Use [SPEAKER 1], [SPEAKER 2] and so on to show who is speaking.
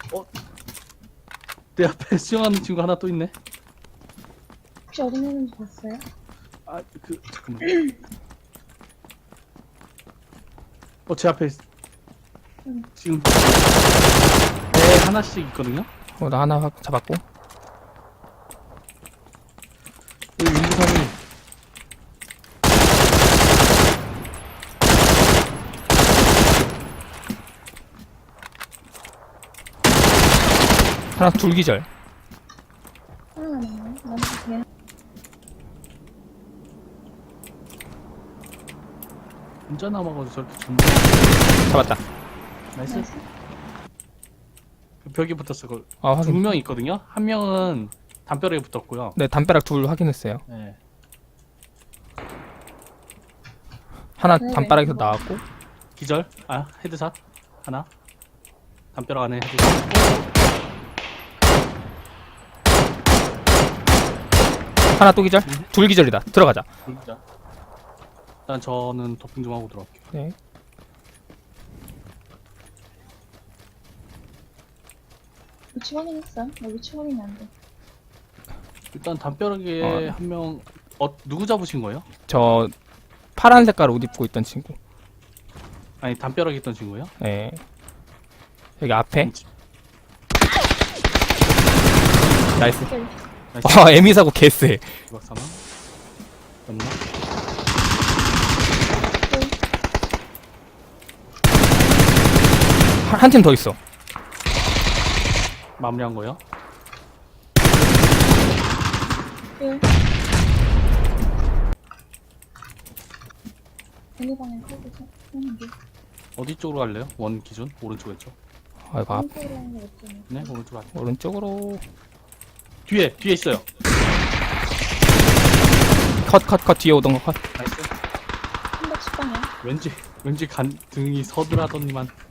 [SPEAKER 1] 내 앞에 수영하는 친구 하나 또 있네.
[SPEAKER 2] 혹시 어디 있는지 봤어요?
[SPEAKER 1] 아, 잠깐만. 제 앞에 지금 배 하나씩 있거든요.
[SPEAKER 3] 나 하나 잡았고.
[SPEAKER 1] 여기 윤부선이
[SPEAKER 3] 하나 둘 기절.
[SPEAKER 2] 하나가 남네. 나도 그냥
[SPEAKER 1] 혼자 남아가지고 저렇게 존나.
[SPEAKER 3] 잡았다.
[SPEAKER 1] 나이스.
[SPEAKER 2] 나이스.
[SPEAKER 1] 벽에 붙었어. 그
[SPEAKER 3] 아,
[SPEAKER 1] 두
[SPEAKER 3] 확인.
[SPEAKER 1] 명 있거든요. 한 명은 담벼락에 붙었고요.
[SPEAKER 3] 네, 담벼락 둘 확인했어요.
[SPEAKER 1] 네.
[SPEAKER 3] 하나
[SPEAKER 2] 네,
[SPEAKER 3] 담벼락에서
[SPEAKER 2] 네.
[SPEAKER 3] 나왔고.
[SPEAKER 1] 기절. 아, 헤드샷 하나. 담벼락 안에 헤드샷.
[SPEAKER 3] 하나 또 기절. 둘 기절이다. 들어가자.
[SPEAKER 1] 진짜. 일단 저는 도핑 좀 하고 들어갈게요.
[SPEAKER 3] 네.
[SPEAKER 2] 위치 확인했어? 나 위치 확인이 안 돼.
[SPEAKER 1] 일단 담벼락에 한 명. 누구 잡으신 거예요?
[SPEAKER 3] 저 파란 색깔 옷 입고 있던 친구.
[SPEAKER 1] 아니 담벼락에 있던 친구예요?
[SPEAKER 3] 네. 여기 앞에. 나이스.
[SPEAKER 2] 기절.
[SPEAKER 1] 나이스.
[SPEAKER 3] 와, 에미 사고 개쎄.
[SPEAKER 1] 이박 사망. 맞나?
[SPEAKER 3] 한 팀 더 있어.
[SPEAKER 1] 마무리한 거요?
[SPEAKER 2] 일. 어느 방향 칼도 하는 게.
[SPEAKER 1] 어디 쪽으로 갈래요? 원 기준? 오른쪽 왼쪽?
[SPEAKER 3] 아, 이거 앞,
[SPEAKER 2] 오른쪽으로 하는 게 없잖아.
[SPEAKER 1] 네, 오른쪽 앞.
[SPEAKER 3] 오른쪽으로.
[SPEAKER 1] 뒤에 있어요.
[SPEAKER 3] 컷. 뒤에 오던 거 컷.
[SPEAKER 1] 나이스.
[SPEAKER 2] 310방향.
[SPEAKER 1] 왠지 등이 서늘하더니만.